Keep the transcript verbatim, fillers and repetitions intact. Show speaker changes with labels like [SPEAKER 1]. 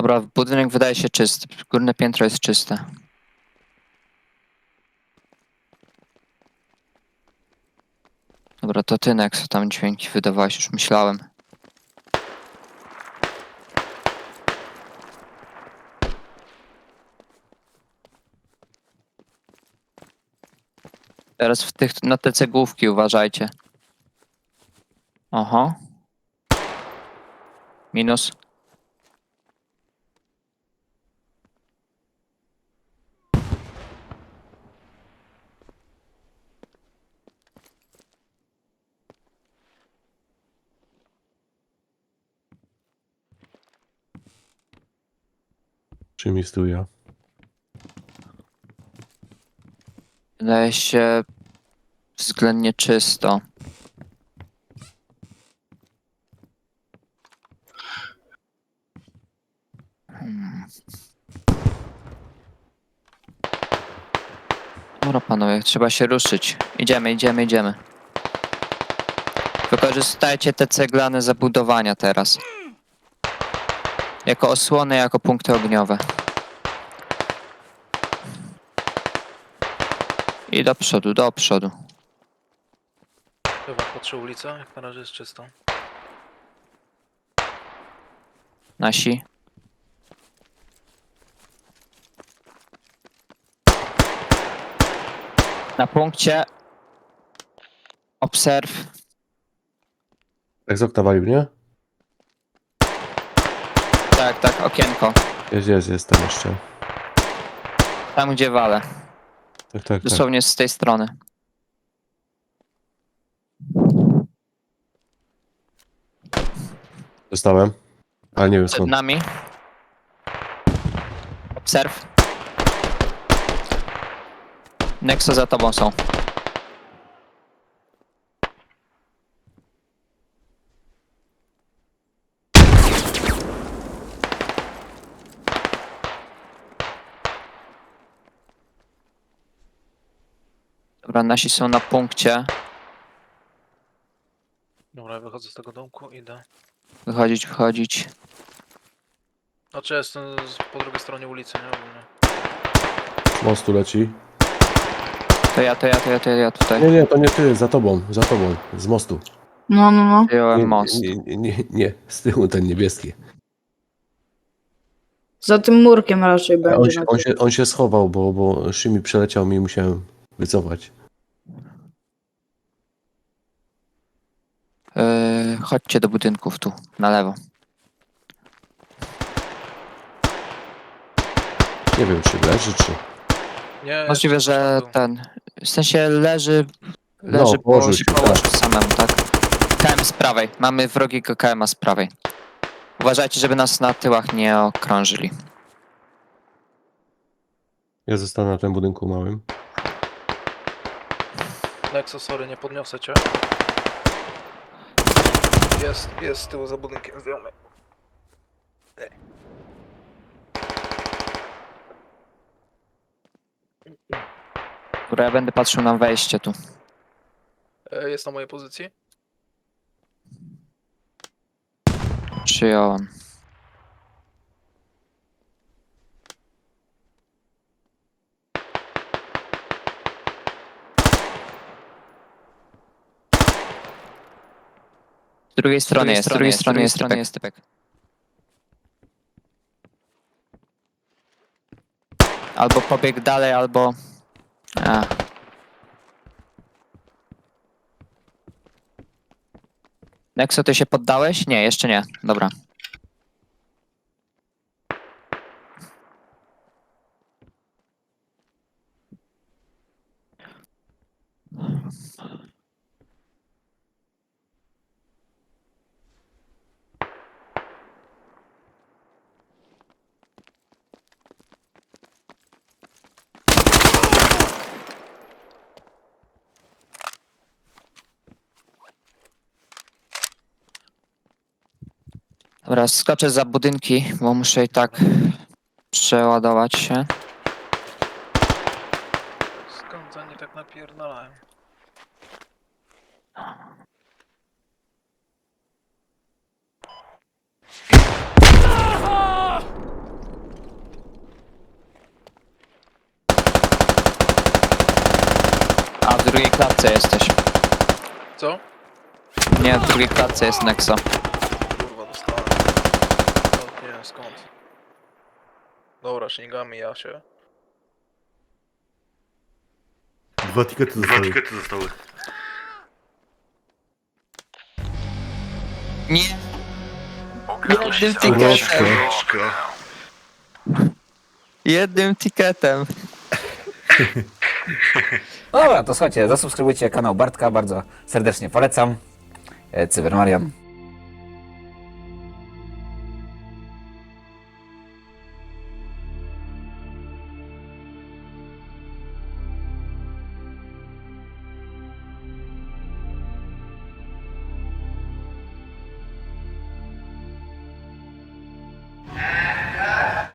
[SPEAKER 1] Dobra, budynek wydaje się czysty. Górne piętro jest czyste. Dobra, to ty, Nexo, tam dźwięki wydawałeś, już myślałem. Teraz w tych, na te cegłówki uważajcie. Oho. Minus.
[SPEAKER 2] Czym jest tu ja?
[SPEAKER 1] Wydaje się względnie czysto. Hmm. Dobra, panowie, trzeba się ruszyć. Idziemy, idziemy, idziemy. Wykorzystajcie te ceglane zabudowania teraz. Jako osłony, jako punkty ogniowe. I do przodu, do przodu.
[SPEAKER 3] Chyba patrzę ulicę, jak na razie jest czysto.
[SPEAKER 1] Nasi. Na punkcie. Obserw.
[SPEAKER 2] Jak z okna walił, nie?
[SPEAKER 1] Tak, tak, okienko.
[SPEAKER 2] Jest, jest, jest tam jeszcze.
[SPEAKER 1] Tam, gdzie walę.
[SPEAKER 2] Tak, tak, tak.
[SPEAKER 1] Dosłownie z tej strony.
[SPEAKER 2] Dostałem. Ale nie wiem
[SPEAKER 1] Przed
[SPEAKER 2] skąd.
[SPEAKER 1] nami. Obserw. Nexo za tobą są. Dobra, nasi są na punkcie.
[SPEAKER 3] Dobra, ja wychodzę z tego domku, idę.
[SPEAKER 1] Wychodzić, wychodzić.
[SPEAKER 3] Znaczy ja jestem z, po drugiej stronie ulicy, nie? Ogólnie.
[SPEAKER 2] Z mostu leci.
[SPEAKER 1] To ja, to ja, to ja, to ja tutaj.
[SPEAKER 2] Nie, nie, to nie ty, za tobą, za tobą. Z mostu.
[SPEAKER 4] No, no, no.
[SPEAKER 1] Wyjąłem
[SPEAKER 2] Nie,
[SPEAKER 1] most.
[SPEAKER 2] nie, nie, nie, nie, z tyłu ten niebieski.
[SPEAKER 4] Za tym murkiem raczej
[SPEAKER 2] A On
[SPEAKER 4] będzie.
[SPEAKER 2] się,
[SPEAKER 4] na
[SPEAKER 2] on
[SPEAKER 4] tym.
[SPEAKER 2] się, on się schował, bo, bo Szymi przeleciał mi i musiałem wycofać.
[SPEAKER 1] Yy, chodźcie do budynków tu, na lewo.
[SPEAKER 2] Nie wiem, czy leży, czy...
[SPEAKER 3] Nie,
[SPEAKER 1] Możliwe,
[SPEAKER 3] jeszcze
[SPEAKER 1] że
[SPEAKER 3] tam był.
[SPEAKER 1] ten. W sensie leży. Leży,
[SPEAKER 2] No,
[SPEAKER 1] bo
[SPEAKER 2] położył
[SPEAKER 1] się
[SPEAKER 2] się,
[SPEAKER 1] położył
[SPEAKER 2] tak.
[SPEAKER 1] samemu, tak? K M z prawej. Mamy wrogiego K M a z prawej. Uważajcie, żeby nas na tyłach nie okrążyli.
[SPEAKER 2] Ja zostanę na tym budynku małym.
[SPEAKER 3] Nexo, sorry, nie podniosę cię. Jest, jest z tyłu za budynkiem, zdjąmy.
[SPEAKER 1] Dobra, ja będę patrzył na wejście tu.
[SPEAKER 3] E, Jest na mojej pozycji.
[SPEAKER 1] Przyjąłem. Z drugiej strony jest, z drugiej strony jest typek. Jest typek. Albo pobiegł dalej, albo... A. Nexo, ty się poddałeś? Nie, jeszcze nie. Dobra. Dobra, skoczę za budynki, bo muszę i tak przeładować się.
[SPEAKER 3] Skąd oni tak napierdalają?
[SPEAKER 1] klatce jesteś.
[SPEAKER 3] Co?
[SPEAKER 1] Nie, w drugiej klatce jest Nexo.
[SPEAKER 3] Kurwa, dostałem. No, nie wiem skąd. Dobra, śmigamy ja się.
[SPEAKER 5] Dwa tikety
[SPEAKER 6] Dwa
[SPEAKER 5] zostały.
[SPEAKER 6] tikety zostały.
[SPEAKER 1] Nie.
[SPEAKER 6] Okradłeś
[SPEAKER 1] Jednym
[SPEAKER 6] całą
[SPEAKER 1] tiketem.
[SPEAKER 6] książkę.
[SPEAKER 1] Jednym tiketem.
[SPEAKER 7] Dobra, to słuchajcie, zasubskrybujcie kanał Bartka, bardzo serdecznie polecam. E, Cybermarian.